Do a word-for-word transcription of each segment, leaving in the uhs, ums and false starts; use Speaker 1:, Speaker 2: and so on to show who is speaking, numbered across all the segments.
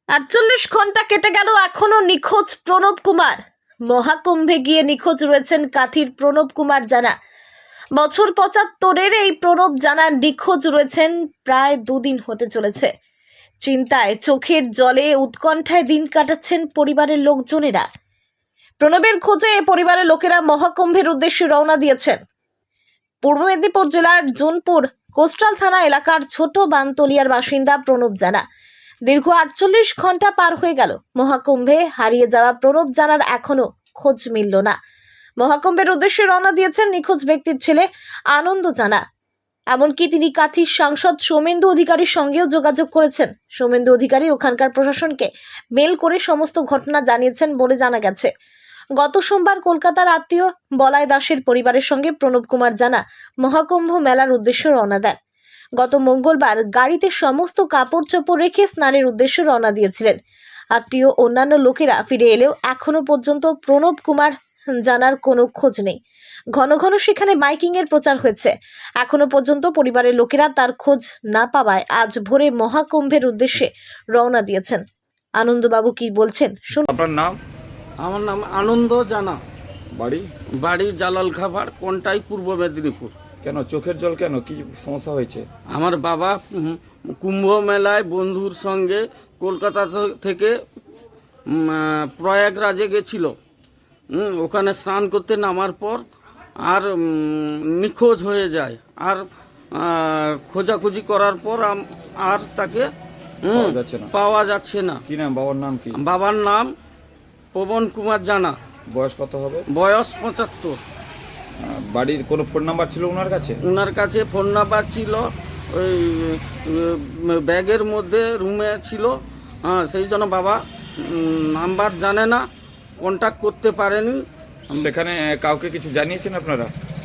Speaker 1: আটচল্লিশ ঘন্টা কেটে গেল, এখনো নিখোঁজ প্রণব কুমার। মহাকুম্ভে গিয়ে নিখোঁজ রয়েছেন কাথির প্রণব কুমার জানা। বছর পঁচাত্তরের এই প্রণব জানা নিখোঁজ রয়েছেন প্রায় দুদিন হতে চলেছে। চিন্তায়, চোখের জলে, উৎকণ্ঠায় দিন কাটাচ্ছেন পরিবারের লোকজনেরা। প্রণবের খোঁজে পরিবারের লোকেরা মহাকুম্ভের উদ্দেশ্যে রওনা দিয়েছেন। পূর্ব মেদিনীপুর জেলার জোনপুর কোস্টাল থানা এলাকার ছোট বানতলিয়ার বাসিন্দা প্রণব জানা। দীর্ঘ আটচল্লিশ ঘন্টা পার হয়ে গেল, মহাকুম্ভে হারিয়ে যাওয়া প্রণব জানার এখনো খোঁজ মিলল না। মহাকুম্ভের উদ্দেশ্যে রওনা দিয়েছেন নিখোঁজ ব্যক্তির ছেলে আনন্দ জানা। এমনকি তিনি কাথির সাংসদ সৌমেন্দু অধিকারীর সঙ্গেও যোগাযোগ করেছেন। সৌমেন্দু অধিকারী ওখানকার প্রশাসনকে মেল করে সমস্ত ঘটনা জানিয়েছেন বলে জানা গেছে। গত সোমবার কলকাতার আত্মীয় বলাই দাসের পরিবারের সঙ্গে প্রণব কুমার জানা মহাকুম্ভ মেলার উদ্দেশ্যে রওনা দেন। গত মঙ্গলবার গাড়িতে সমস্ত কাপড় চোপড় রেখে স্নানের উদ্দেশ্যে রওনা দিয়েছিলেন। আত্মীয় অন্যান্য লোকেরা ফিরে এলেও এখনো পর্যন্ত প্রণব কুমার জানার কোনো খোঁজ নেই। ঘন ঘন সেখানে মাইকিং এর প্রচার হয়েছে। এখনো পর্যন্ত পরিবারের লোকেরা তার খোঁজ না পাওয়ায় আজ ভোরে মহাকুম্ভের উদ্দেশ্যে রওনা দিয়েছেন। আনন্দবাবু কি বলছেন শুনুন।
Speaker 2: আপনার নাম?
Speaker 3: আমার নাম আনন্দ জানা।
Speaker 2: বাড়ি?
Speaker 3: বাড়ি জালাল খাবার, কোনটাই পূর্ব মেদিনীপুর।
Speaker 2: কেন চোখের জল, কেন কি সমস্যা হয়েছে?
Speaker 3: আমার বাবা উম, কুম্ভ মেলায় বন্ধুর সঙ্গে কলকাতা থ- থেকে উম, আহ, প্রয়াগরাজে গেছিল। উম, ওখানে স্নান করতে নামার পর আর উম, নিখোঁজ হয়ে যায়। আর আহ, খোঁজাখুঁজি করার পর আম- আর তাকে উম,
Speaker 2: পাওয়া যাচ্ছে না।
Speaker 3: পাওয়া যাচ্ছে না।
Speaker 2: কি নাম? বাবার নাম কি?
Speaker 3: বাবার নাম পবন কুমার জানা,
Speaker 2: বয়স কত হবে?
Speaker 3: বয়স পঁচাত্তর।
Speaker 2: আহ, বাড়ির কোনো ফোন নাম্বার ছিল ওনার কাছে?
Speaker 3: ওনার কাছে ফোন নাম্বার ছিল, ওই উম, ব্যাগের মধ্যে রুমে ছিল। হ্যাঁ, সেই জন্য বাবা উম, নাম্বার জানে না, কন্ট্যাক্ট করতে পারেনি।
Speaker 2: সেখানে কাউকে কিছু জানিয়েছেন আপনারা?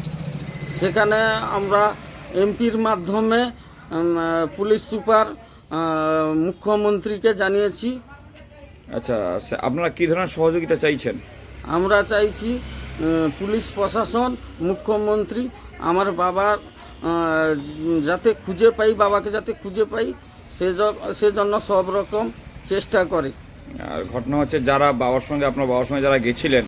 Speaker 3: সেখানে আমরা এমপির মাধ্যমে উম, পুলিশ সুপার, আহ, মুখ্যমন্ত্রীকে জানিয়েছি।
Speaker 2: আচ্ছা, সে- আপনারা কি ধরনের সহযোগিতা চাইছেন?
Speaker 3: আমরা চাইছি উম, পুলিশ প্রশাসন, মুখ্যমন্ত্রী আমার বাবার আহ, যাতে খুঁজে পাই, বাবাকে যাতে খুঁজে পাই, সেজ- সেজন্য সব রকম চেষ্টা করে।
Speaker 2: আর ঘটনা হচ্ছে, যারা বাবার সঙ্গে আপনার বাবার সঙ্গে যারা গেছিলেন